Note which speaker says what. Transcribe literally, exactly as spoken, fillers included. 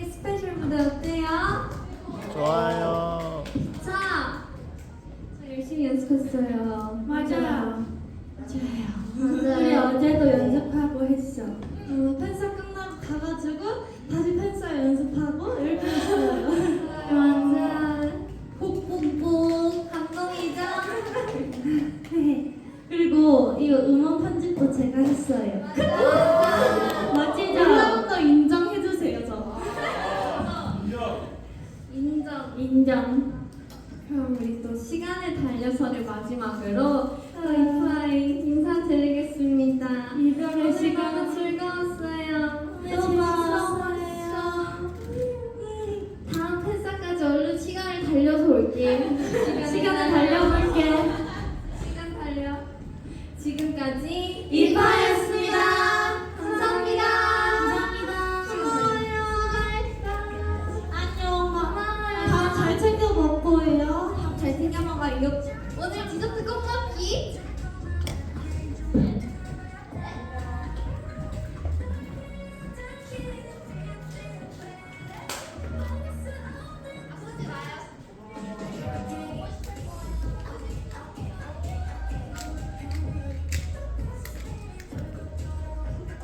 Speaker 1: 스페셜 무대 어때요?
Speaker 2: 좋아요.
Speaker 1: 자, 저 열심히 연습했어요.
Speaker 3: 맞아요.
Speaker 1: 맞아요.
Speaker 3: 우리 어제도 연습하고 했어.
Speaker 1: 어, 팬사 끝나고 가가지고 다시 팬사 연습하고 이렇게 했어요.
Speaker 3: 맞아.
Speaker 1: 뽁뽁뽁 감동이죠? 그리고 이거 음원 편집도 제가 했어요.
Speaker 3: 멋지죠?
Speaker 1: 여러분도 인정해주세요, 저. 인정.
Speaker 3: 인정.
Speaker 1: 그럼 우리 또 시간을 달려서를 마지막으로 하이파이 인사드리겠습니다.
Speaker 3: 이별의
Speaker 1: 시간은
Speaker 3: 시간은
Speaker 1: 즐거웠어요.
Speaker 3: 네, 즐거웠어요.
Speaker 1: 다음 팬사까지 얼른 시간을 달려서 올게.
Speaker 3: 시간을 달려볼게.
Speaker 1: 시간 달려. 지금까지
Speaker 3: 이파이였습니다.
Speaker 1: 감사합니다.
Speaker 3: 감사합니다.
Speaker 1: 수고해요.
Speaker 3: 안녕.
Speaker 1: 고마워요.
Speaker 3: 다 잘 챙겨 먹고 해요.
Speaker 1: 잘 챙겨 먹어요. 오늘 디저트 꼭 먹기.